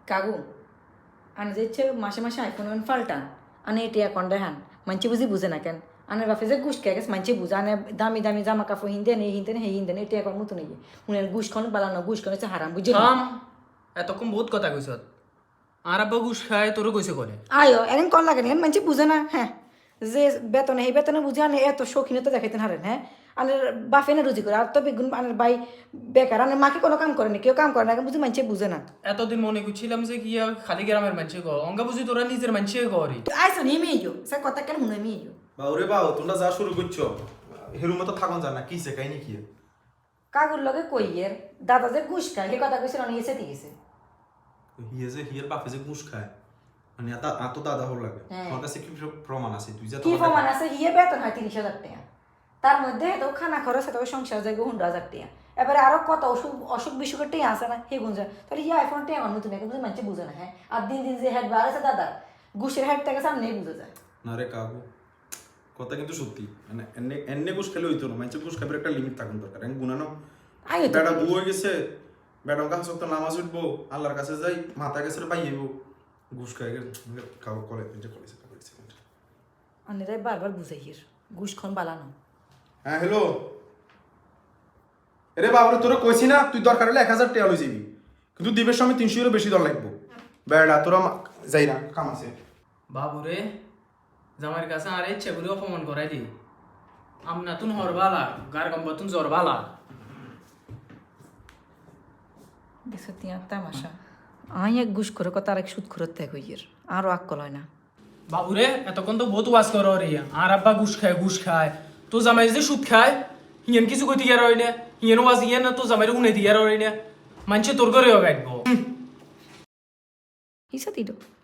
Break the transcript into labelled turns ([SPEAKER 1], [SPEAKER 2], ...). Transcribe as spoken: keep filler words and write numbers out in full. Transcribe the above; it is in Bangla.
[SPEAKER 1] কাকু আনে যে ইচ্ছে মাসে মাসে আইফোন ফাল্টান আনে এটি এখন দেখান মানছি বুঝি বুঝে না কেন আনের বাপে যে গুস খেয়ে গেছে মানছি বুঝে আনে দামি দামি জামা কাপড় হিনদেন এই হিনদেন সেই হিনদেন এটি এখন মতো নেই মনে গুস খন বালানো গুস খন হচ্ছে হারাম বুঝে
[SPEAKER 2] থাম এতক্ষণ বহুত কথা কইছ আর আব্বা ঘুষ খায় তোরও কইছে করে
[SPEAKER 1] আয়ো এখন কল লাগে না মানছি বুঝে না হ্যাঁ যে বেতনে সেই বেতনে বুঝে আনে এত শৌখিনতা দেখাইতেন হারেন হ্যাঁ আনের বাপে না রুজি করে আর তো বেগুন আনের বাই বেকার আনের মাকে কোনো কাম করে না কেউ কাম করে না বুঝি মানছি বুঝে না
[SPEAKER 2] এতদিন মনে করছিলাম যে কি আর খালি গ্রামের মানুষে কর অঙ্গা বুঝি তোরা নিজের মানুষে করি
[SPEAKER 1] আইসো নিয়ে ইয়ো সে কথা কেন শুনে আমি ইয়ো
[SPEAKER 3] বাউরে বাউ তোমরা যা শুরু করছো হেরু মতো থাকুন জানা কি সে কাহিনী কি
[SPEAKER 1] কাকুর লগে কইয়ের দাদা যে ঘুষ খায় সে কথা কইছিল অনেক এসে দিয়েছে
[SPEAKER 3] হিয়ে যে হিয়ের বাপে যে ঘুষ খায় মানে এত এত দাদা হল লাগে
[SPEAKER 1] হ্যাঁ।
[SPEAKER 3] তোমার কাছে কি প্রমাণ আছে তুই যা
[SPEAKER 1] কি প্রমাণ আছে হিয়ে বেতন হয় তিরিশ হাজার টাকা তার মধ্যে তো খানা খরচ আছে সংসার যায় হুন্ড্রা হাজার টাকা এবারে আরো কত অসুখ অসুখ বিসুখের টাকা আছে না হে গুঞ্জা তাহলে ইয়ে আইফোন টাকা অন্য তুমি বুঝে মানুষ বুঝে না হ্যাঁ আর দিন দিন যে হেড বার আছে দাদা ঘুষের হেড থেকে সামনে বুঝে যায়
[SPEAKER 3] না রে কাকু কথা কিন্তু সত্যি মানে এনে এনে ঘুষ খেলে হইতো না মানে ঘুষ খাবার একটা লিমিট থাকুন দরকার এখন গুনানো
[SPEAKER 1] আইও তো
[SPEAKER 3] বেটা বউ হয়ে গেছে বেটার কাছে তো নামাজ উঠবো আল্লাহর কাছে যাই মাথা গেছে পাই যাইব ঘুষ খাই খাওয়া কলে যে কলেছে
[SPEAKER 1] অনেরাই বারবার বুঝাই হির ঘুষ খন বালানো
[SPEAKER 3] হ্যাঁ হ্যালো এরে বাবরে তোরা কইছি না তুই দরকার হলে এক হাজার টাকা লই যাবি কিন্তু দিবের সময় তিনশো এরও বেশি দর লাগবো বেড়া তোরা যাই না কাম আছে
[SPEAKER 2] বাবুরে জামাইয়ের কাছে আর ইচ্ছে করে অপমান করাই দি আমনা তুন হরবালা গার গম্বা তুন জরবালা
[SPEAKER 1] দেখছো তিয়া তামাশা আই এক ঘুষ করে কথা আর এক সুদ খরচ ত্যাগ হইয়ের আরও আক্কল হয় না
[SPEAKER 2] বাবুরে এতক্ষণ তো বহুত ওয়াজ কর রে আর আব্বা ঘুষ খায় ঘুষ খায় তো জামাই যে সুদ খায় হিয়েন কিছু কইতে গিয়ে রই না হিয়েন ওয়াজ ইয়ে না তো জামাইরে উনে দিয়ে রই না মানছে তোর করে গাইব
[SPEAKER 1] হিসা দিল